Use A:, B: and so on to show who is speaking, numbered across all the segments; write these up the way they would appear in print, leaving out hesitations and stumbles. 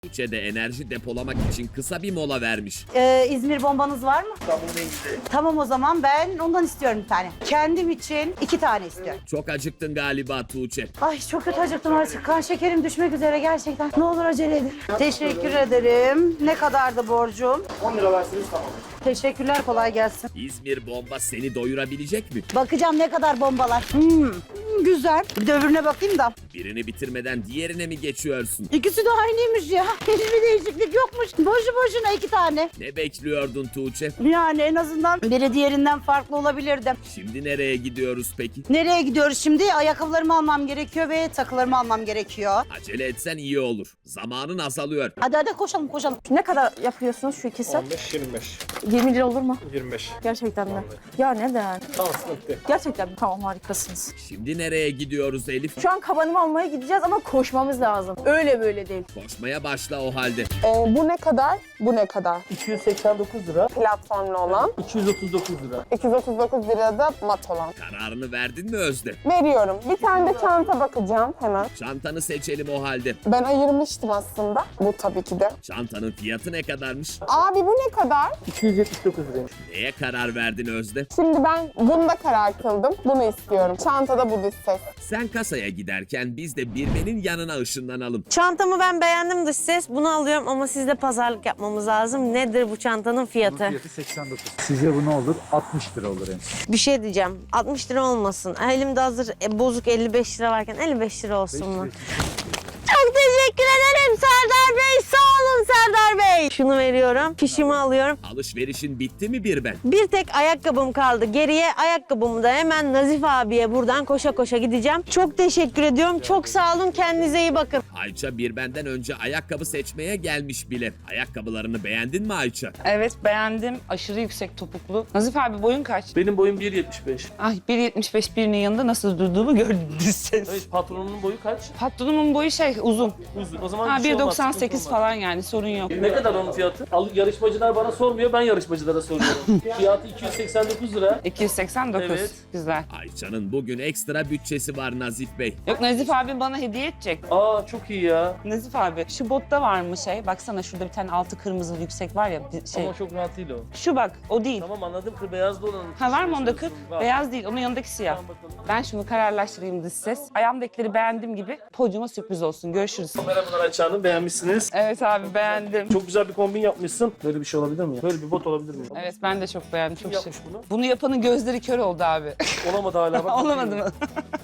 A: Tuğçe de enerji depolamak için kısa bir mola vermiş.
B: İzmir bombanız var mı?
C: Tamam neydi?
B: Tamam, o zaman ben ondan istiyorum bir tane. Kendim için 2 tane istiyorum.
A: Çok acıktın galiba Tuğçe.
B: Ay çok kötü acıktım artık. Kan şekerim düşmek üzere gerçekten. Ne olur acele edin. Teşekkür ederim. Ne kadardı borcum?
C: 10 lira verseniz tamam.
B: Teşekkürler, kolay gelsin.
A: İzmir bomba seni doyurabilecek mi?
B: Bakacağım ne kadar bombalar. Güzel. Bir de öbürüne bakayım da.
A: Birini bitirmeden diğerine mi geçiyorsun?
B: İkisi de aynıymış ya. Hiçbir değişiklik yokmuş. Boşu boşuna 2 tane.
A: Ne bekliyordun Tuğçe?
B: Yani en azından biri diğerinden farklı olabilirdi.
A: Şimdi nereye gidiyoruz peki?
B: Nereye gidiyoruz şimdi? Ayakkabılarımı almam gerekiyor ve takılarımı almam gerekiyor.
A: Acele etsen iyi olur. Zamanın azalıyor.
B: Hadi koşalım koşalım.
D: Ne kadar yapıyorsunuz şu ikisi?
C: 15-25.
D: 20 lira olur mu?
C: 25.
D: Gerçekten mi? Ya neden?
C: Tamam sıkıntı.
D: Gerçekten mi? Tamam, harikasınız.
A: Şimdi nereye gidiyoruz Elif?
D: Şu an kabanımı almaya gideceğiz ama koşmamız lazım. Öyle böyle değil.
A: Koşmaya başla o halde.
E: Bu ne kadar? Bu ne kadar?
C: 289 lira.
E: Platformlu olan.
C: 239 lira.
E: 239 lira da mat olan.
A: Kararını verdin mi Özde?
E: Veriyorum. Bir tane de çanta bakacağım hemen.
A: Çantanı seçelim o halde.
E: Ben ayırmıştım aslında. Bu tabii ki de.
A: Çantanın fiyatı ne kadarmış?
E: Abi bu ne kadar?
C: 279 liraymış.
A: Neye karar verdin Özde?
E: Şimdi ben bunda karar kıldım. Bunu istiyorum. Çantada bu dış ses.
A: Sen kasaya giderken biz de Birmen'in yanına ışınlanalım.
F: Çantamı ben beğendim dış ses. Bunu alıyorum ama sizle pazarlık yapmamız lazım. Nedir bu çantanın fiyatı?
G: Fiyatı 89. Sizce bu ne olur? 60 lira olur en son.
F: Bir şey diyeceğim. 60 lira olmasın. Elimde hazır bozuk 55 lira varken 55 lira olsun mu? Çok teşekkür ederim Serdar Bey. Sağ olun Serdar Bey. Şunu veriyorum. Fişimi alıyorum.
A: Alışverişin bitti mi Birben?
F: Bir tek ayakkabım kaldı. Geriye ayakkabımı da hemen Nazif abiye buradan koşa koşa gideceğim. Çok teşekkür ediyorum. Çok sağ olun. Kendinize iyi bakın.
A: Ayça Birben'den önce ayakkabı seçmeye gelmiş bile. Ayakkabılarını beğendin mi Ayça?
H: Evet, beğendim. Aşırı yüksek topuklu. Nazif abi boyun kaç?
C: Benim boyum 1.75.
H: Ay, 1.75 birinin yanında nasıl durduğumu gördünüz siz.
C: Evet, patronunun boyu kaç?
H: Patronumun boyu uzun.
C: Uzun. O zaman
H: Ha,
C: bir şey olmaz,
H: 1.98
C: sıkıntı olmaz.
H: falan, yani sorun yok.
C: Ne kadar onun fiyatı? Yarışmacılar bana sormuyor, ben yarışmacılara soruyorum. Fiyatı 289 lira.
H: 289.
C: Evet.
H: Güzel.
A: Ayça'nın bugün ekstra bütçesi var Nazif Bey.
H: Yok, Nazif abim bana hediye edecek.
C: Aa çok iyi ya.
H: Nazif abi, şu botta var mı şey? Baksana şurada bir tane altı kırmızı yüksek var ya şey.
C: Ama çok rahat değil o.
H: Şu bak, o değil.
C: Tamam anladım, kır beyazlı olan.
H: Ha, var mı onda 40?
C: Var.
H: Beyaz değil, onun yanındaki siyah.
C: Tamam, bakalım.
H: Ben şunu kararlaştırayım dış ses. Ayağımdakileri beğendiğim gibi podyuma sürpriz olsun. Görüşürüz.
C: Merhabalar Ayça Hanım, beğenmişsiniz.
H: Evet abi, beğendim.
C: Çok güzel bir kombin yapmışsın. Böyle bir şey olabilir mi ya? Böyle bir bot olabilir mi?
H: Evet, ben de çok beğendim.
C: Kim
H: Çok
C: yapmış
H: şık.
C: bunu?
H: Bunu yapanın gözleri kör oldu abi.
C: Olamadı hala. Bak,
H: Olamadı mı?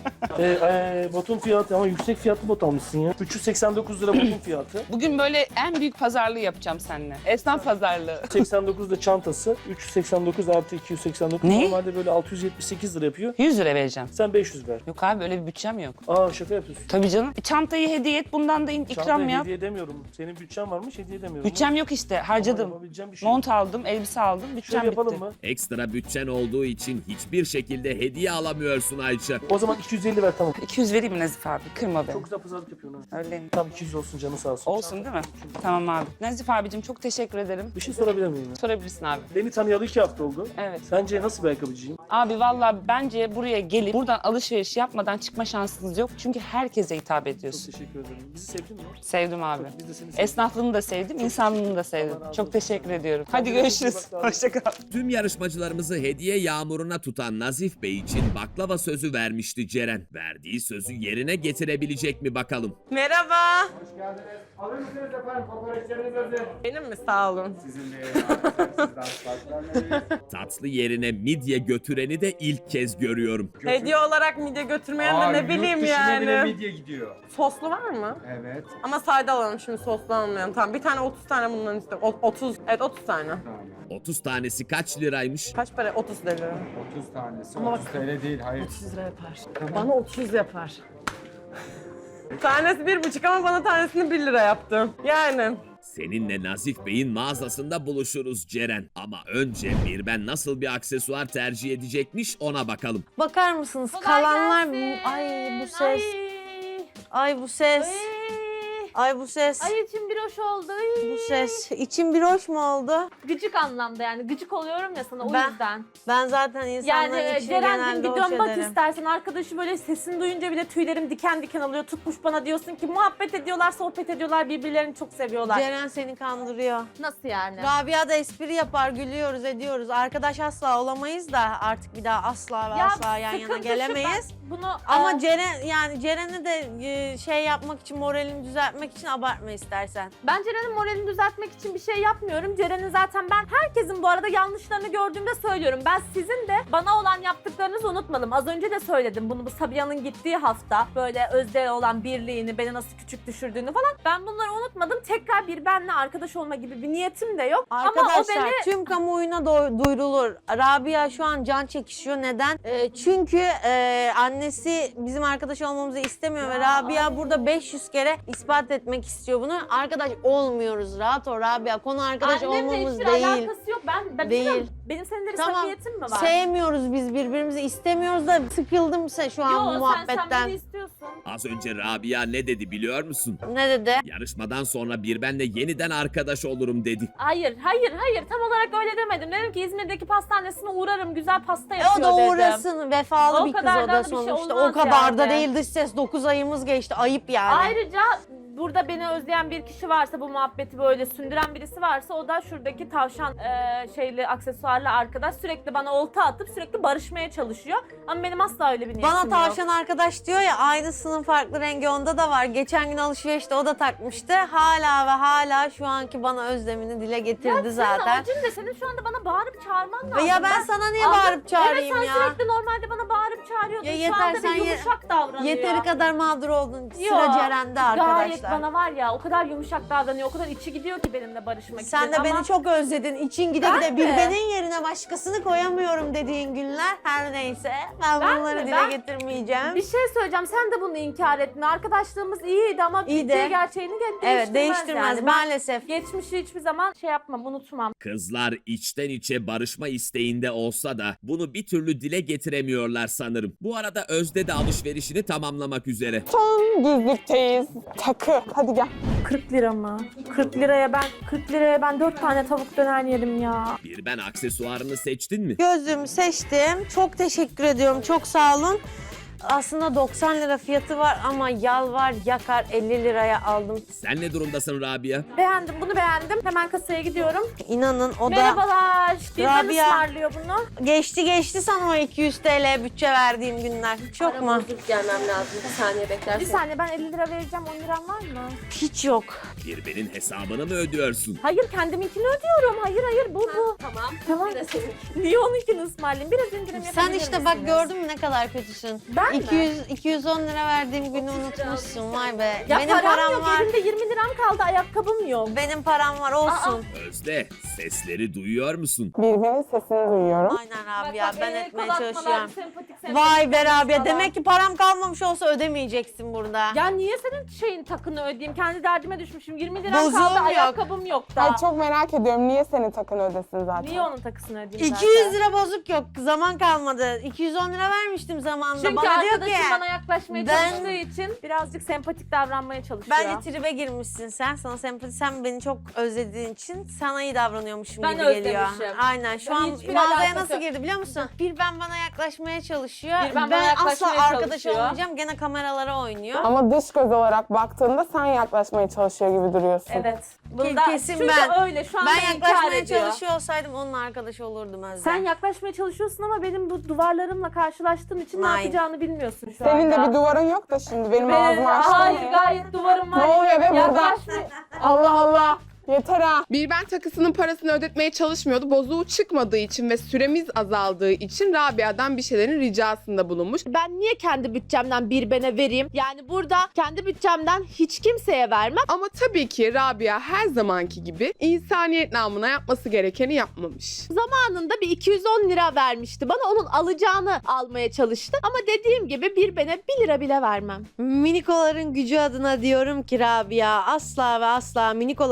C: Botun fiyatı ama yüksek fiyatlı bot almışsın ya. 389 lira botun fiyatı.
H: Bugün böyle en büyük pazarlığı yapacağım seninle. Esnaf pazarlığı.
C: 89 da çantası. 389 artı 289.
H: Ne?
C: Normalde böyle 678 lira yapıyor.
H: 100 lira vereceğim.
C: Sen 500 ver.
H: Yok abi, öyle bir bütçem yok.
C: Aa şaka yapıyorsun.
H: Tabii canım. Çantayı hediye et, bundan da ikram
C: Çantaya
H: yap.
C: hediye edemiyorum. Senin bütçen varmış, hediye edemiyorum.
H: Bütçem yok işte, harcadım.
C: Yapabileceğim bir şey.
H: Mont aldım, elbise aldım, bütçem
C: Şöyle yapalım
H: bitti.
C: mı?
A: Ekstra bütçen olduğu için hiçbir şekilde hediye alamıyorsun Ayça.
C: O zaman 250 ver tamam.
H: 200 vereyim mi Nazif abi? Kırma beni.
C: Çok güzel pazarlık yapıyorsun ha.
H: Öyle mi?
C: Tam 200 olsun, canı sağ olsun.
H: Olsun değil mi? Tamam abi. Nazif abicim, çok teşekkür ederim.
C: Bir şey sorabilir miyim? Ya?
H: Sorabilirsin abi.
C: Beni tanıyalı 2 hafta oldu.
H: Evet.
C: Sence nasıl bir ayakkabıcıyım?
H: Abi valla bence buraya gelip buradan alışveriş yapmadan çıkma şansınız yok. Çünkü herkese hitap
C: Çok
H: ediyorsun.
C: teşekkür ederim. Bizi sevdin mi?
H: Sevdim abi.
C: Biz de seni sevdik.
H: Esnaflığını da sevdim, insanlığını da sevdim.
C: Allah razı
H: Çok
C: olsun.
H: teşekkür ediyorum. Hadi
C: Kendine
H: görüşürüz.
C: iyi bak,
H: Hoşça kal.
A: Tüm yarışmacılarımızı hediye yağmuruna tutan Nazif Bey için baklava sözü vermişti Ceren. Verdiği sözü yerine getirebilecek mi bakalım?
F: Merhaba.
G: Hoş geldiniz. Alır mısınız efendim? Kokoreçleriniz hazır.
F: Benim mi? Sağ olun.
G: Sizin de sizden sparklanmayız.
A: Tatlı yerine midye götüreni de ilk kez görüyorum.
I: Hediye olarak midye götürmeyen de ne bileyim yani.
G: bile midye gidiyor.
I: Soslu var mı?
G: Evet.
I: Ama sade alalım şimdi, soslu almayalım. Tamam, bir tane 30 tane bundan istiyorum. 30, evet 30 tane.
G: Tamam.
A: 30 tanesi kaç liraymış?
I: Kaç para? 30 lira.
G: 30 tanesi.
I: Ama
G: 30 TL değil. Hayır.
I: 30 lira yapar. Bana 30 yapar. Tanesi 1,5 ama bana tanesini 1 lira yaptım. Yani.
A: Seninle Nazif Bey'in mağazasında buluşuruz Ceren. Ama önce Birben nasıl bir aksesuar tercih edecekmiş ona bakalım.
F: Bakar mısınız? Kalanlar... Ay bu ses. Ay bu ses. Ay bu ses.
J: Ay içim bir hoş oldu. Ay.
F: Bu ses. İçim bir hoş mu oldu?
J: Gıcık anlamda yani. Gıcık oluyorum ya sana o
F: Ben-
J: yüzden.
F: Ben zaten insanların
J: Yani
F: içini
J: Ceren'cim
F: genelde
J: bir
F: hoş
J: dön bak
F: ederim.
J: istersen. Arkadaşı böyle sesini duyunca bile tüylerim diken diken alıyor. Tutmuş bana diyorsun ki muhabbet ediyorlar, sohbet ediyorlar, birbirlerini çok seviyorlar.
F: Ceren seni kandırıyor.
J: Nasıl yani?
F: Rabia da espri yapar, gülüyoruz, ediyoruz. Arkadaş asla olamayız da artık bir daha asla ve asla yan yana
J: sıkıntı şu,
F: gelemeyiz.
J: ben bunu
F: Ama Ceren'i de şey yapmak için, moralini düzeltmek için abartma istersen.
J: ben Ceren'in moralini düzeltmek için bir şey yapmıyorum. Ceren'in zaten ben herkesin bu arada yanlışlarını gördüğümde söylüyorum. Ben sizin de bana olan yaptıklarınızı unutmadım. Az önce de söyledim bunu bu Sabiha'nın gittiği hafta. Böyle Özde'ye olan birliğini, beni nasıl küçük düşürdüğünü falan. Ben bunları unutmadım. Tekrar bir benle arkadaş olma gibi bir niyetim de yok. Ama o
F: Arkadaşlar
J: beni
F: tüm kamuoyuna duyurulur. Rabia şu an can çekişiyor. Neden? Çünkü annesi bizim arkadaş olmamızı istemiyor ve Rabia burada 500 kere ispat etmek istiyor bunu. Arkadaş olmuyoruz. Rahat ol Rabia. Konu arkadaş
J: annemle
F: olmamız
J: hiçbir
F: değil.
J: alakası yok. Ben
F: Değil.
J: bilmiyorum. Benim seninle bir
F: Tamam.
J: samimiyetim mi var?
F: Sevmiyoruz biz birbirimizi, istemiyoruz da sıkıldım şu an bu
J: Yok sen
F: muhabbetten.
J: beni istiyorsun.
A: Az önce Rabia ne dedi biliyor musun?
F: Ne dedi?
A: Yarışmadan sonra bir benle yeniden arkadaş olurum dedi.
J: Hayır tam olarak öyle demedim. Dedim ki İzmir'deki pastanesine uğrarım. Güzel pasta
F: O
J: yapıyor
F: da
J: dedim.
F: uğrasın. Vefalı
J: O
F: bir kız
J: kadar
F: o
J: da
F: da
J: bir şey
F: sonuçta.
J: olmaz
F: O kadar da
J: yani.
F: değil dış ses. 9 ayımız geçti. Ayıp yani.
J: Ayrıca burada beni özleyen bir kişi varsa, bu muhabbeti böyle sündüren birisi varsa o da şuradaki tavşan şeyli aksesuarlı arkadaş sürekli bana olta atıp sürekli barışmaya çalışıyor. Ama benim asla öyle bir niyetim
F: Bana
J: yok.
F: tavşan arkadaş diyor ya, aynısının farklı rengi onda da var. Geçen gün alışverişte o da takmıştı. Hala ve hala şu anki bana özlemini dile getirdi
J: Senin
F: zaten.
J: amacın ne? Senin şu anda bana bağırıp çağırman lazım.
F: Ya ben sana niye
J: Aldım.
F: bağırıp çağırayım
J: evet,
F: ya?
J: sen sürekli normalde bana bağırıp çağırıyordun.
F: Ya
J: Şu
F: yeter,
J: anda
F: sen
J: bir yumuşak davranıyor.
F: Yeteri kadar mağdur oldun. Sıra
J: Yok,
F: Ceren'de arkadaşlar.
J: Gayet bana var ya o kadar yumuşak davranıyor, o kadar içi gidiyor ki benimle barışmak için.
F: Sen de beni çok özledin. İçin gide
J: Ben
F: gide bir
J: mi?
F: benim yerine başkasını koyamıyorum dediğin günler. Her neyse. Ben
J: Ben
F: bunları
J: mi?
F: dile
J: Ben-
F: getirmeyeceğim.
J: Bir şey söyleyeceğim, sen de bunu inkar etme. Arkadaşlığımız iyiydi ama
F: İyi
J: bittiği
F: de.
J: gerçeğini değiştirmez.
F: Evet, değiştirmez
J: yani. Ben
F: maalesef.
J: geçmişi hiçbir zaman şey yapmam, unutmam.
A: Kızlar içten içe barışma isteğinde olsa da bunu bir türlü dile getiremiyorlar sanırım. Bu arada Özde de alışverişini tamamlamak üzere.
E: Son güzlükteyiz. Takı. Hadi gel.
J: 40 lira mı? 40 liraya ben 4 tane tavuk döner yerim ya.
A: Bir ben aksesuarını seçtin mi?
F: Gözlüğümü seçtim. Çok teşekkür ediyorum. Çok sağ olun. Aslında 90 lira fiyatı var ama yalvar yakar 50 liraya aldım.
A: Sen ne durumdasın Rabia?
J: Beğendim, bunu beğendim. Hemen kasaya gidiyorum.
F: İnanın o da
J: Merhabalar. Birden
F: Rabia.
J: ısmarlıyor bunu.
F: geçti sana o 200 TL bütçe verdiğim günler. Çok mu?
I: gelmem lazım. Bir saniye beklersin.
J: Bir saniye, ben 50 lira vereceğim. 10 liram var mı?
F: Hiç yok.
A: Bir benin hesabını mı ödüyorsun?
J: Hayır, kendiminkini ödüyorum. Hayır bu.
I: Tamam.
J: Tamam. Niye onunkini ısmarlayayım? Biraz indirim yapabilir
F: Sen işte bak
J: misiniz?
F: gördün mü ne kadar kötüsün.
J: Ben mi?
F: 210 lira verdiğim günü unutmuşsun. Vay be.
J: Ya
F: Benim
J: param yok.
F: var.
J: Elimde 20 liram kaldı. Ayakkabım yok.
F: Benim param var olsun.
A: Özde, sesleri duyuyor musun?
E: Birbirinin sesini duyuyorum.
F: Aynen Rabia, ben
J: el
F: etmeye
J: kol atmalar,
F: çalışıyorum.
J: sempatik
F: Vay be Rabia,
J: falan.
F: demek ki param kalmamış olsa ödemeyeceksin burada.
J: Ya niye senin şeyin takını ödeyeyim? Kendi derdime düşmüşüm. 20 liram
F: Bozuğum
J: kaldı.
F: yok.
J: Ayakkabım yok
E: Ay
J: daha.
E: çok merak ediyorum. Niye senin takın ödesin zaten?
J: Niye onun takısını ödeyeyim
F: 200 lira bozuk yok. Zaman kalmadı. 210 lira vermiştim zamanında.
J: Çünkü
F: Bana diyor
J: arkadaşım
F: ki
J: bana yaklaşmaya
F: ben-
J: çalıştığı için birazcık sempatik davranmaya çalışıyor.
F: bence tribe girmişsin sen. Sana sempati, sen beni çok özlediğin için sana iyi davranıyormuşum
J: Ben
F: gibi geliyor.
J: özlemişim.
F: Aynen. Şu
J: Ben
F: an
J: hiçbir
F: mağazaya
J: alakası
F: nasıl
J: yok.
F: girdi biliyor musun? Bir ben bana yaklaşmaya çalışıyor.
J: Bir ben bana
F: ben
J: yaklaşmaya
F: asla arkadaş
J: çalışıyor.
F: olmayacağım. Gene kameralara oynuyor.
E: Ama dış göz olarak baktığında sen yaklaşmaya çalışıyor gibi duruyorsun.
J: Evet. Bunda
F: kesin
J: çünkü
F: ben.
J: öyle şu anda
F: Ben
J: inkar
F: yaklaşmaya
J: ediyor.
F: çalışıyor olsaydım onun arkadaşı olurdum Özlem.
J: Sen yaklaşmaya çalışıyorsun ama benim bu duvarlarımla karşılaştığın için ne
F: Hayır.
J: yapacağını bilmiyorsun şu
E: Senin
J: anda.
E: de bir duvarın yok da şimdi benim ağzımı açtın.
J: Hayır, gayet duvarım var.
E: Ne oluyor be burada?
J: Yaklaşma.
E: Allah Allah. Yeter ha.
K: Bir ben takısının parasını ödetmeye çalışmıyordu. Bozuğu çıkmadığı için ve süremiz azaldığı için Rabia'dan bir şeylerin ricasında bulunmuş.
J: Ben niye kendi bütçemden bir bene vereyim? Yani burada kendi bütçemden hiç kimseye vermem.
K: Ama tabii ki Rabia her zamanki gibi insaniyet namına yapması gerekeni yapmamış.
J: Zamanında bir 210 lira vermişti. Bana onun alacağını almaya çalıştı. Ama dediğim gibi bir bene 1 lira bile vermem.
F: Minikoların gücü adına diyorum ki Rabia, asla ve asla Minikolar grubuna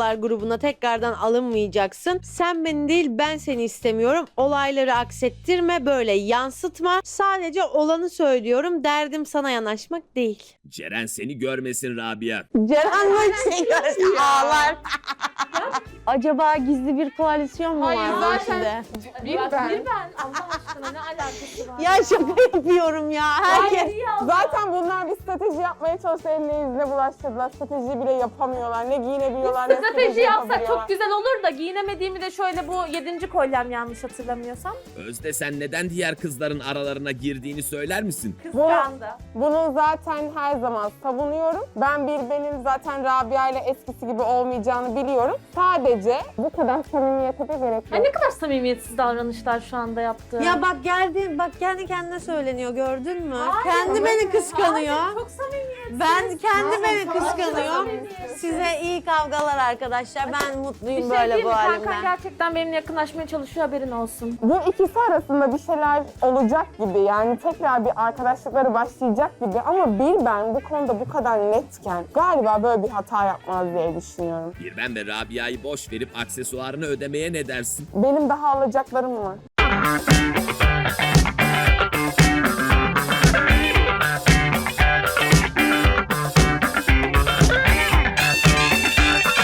F: buna tekrardan alınmayacaksın. Sen beni değil ben seni istemiyorum. Olayları aksettirme, böyle yansıtma. Sadece olanı söylüyorum. Derdim sana yanaşmak değil.
A: Ceren seni görmesin Rabia.
F: Ceren bu seni görse ağlar. Acaba gizli bir koalisyon mu var bu içinde?
K: Bir ben.
J: Allah aşkına ne alakası var?
F: Ya şaka yapıyorum ya. Herkes.
E: Zaten bunlar bir strateji yapmaya çalışıyor. Eline yüzüne bulaştırdılar. Strateji bile yapamıyorlar. Ne giyinebiliyorlar ne
J: Strateji yapsak çok
E: yapabiliyorlar.
J: güzel olur da giyinemediğimi de şöyle bu 7. kolyem yanlış hatırlamıyorsam.
A: Özde sen neden diğer kızların aralarına girdiğini söyler misin?
J: Kıskandı.
E: Bunu zaten her zaman savunuyorum. Ben benim zaten Rabia ile eskisi gibi olmayacağını biliyorum. Sadece bu kadar samimiyete de gerek
J: Ay
E: yok.
J: ne kadar samimiyetsiz davranışlar şu anda yaptı.
F: Ya bak geldi, bak kendi kendine söyleniyor, gördün mü? Kendi beni kıskanıyor.
J: Hayır, çok samimiyetsiz.
F: Ben kendi beni kıskanıyor. Size iyi kavgalar arkadaşlar. Ben
J: Bir
F: mutluyum
J: şey
F: böyle
J: diyeyim
F: bu
J: mi? Kankan
F: halimden.
J: gerçekten benimle yakınlaşmaya çalışıyor, haberin olsun.
E: Bu ikisi arasında bir şeyler olacak gibi. Yani tekrar bir arkadaşlıkları başlayacak gibi. Ama ben bu konuda bu kadar netken galiba böyle bir hata yapmaz diye düşünüyorum.
A: Birben ve Rabia'yı boş verip aksesuarını ödemeye ne dersin?
E: Benim daha alacaklarım var.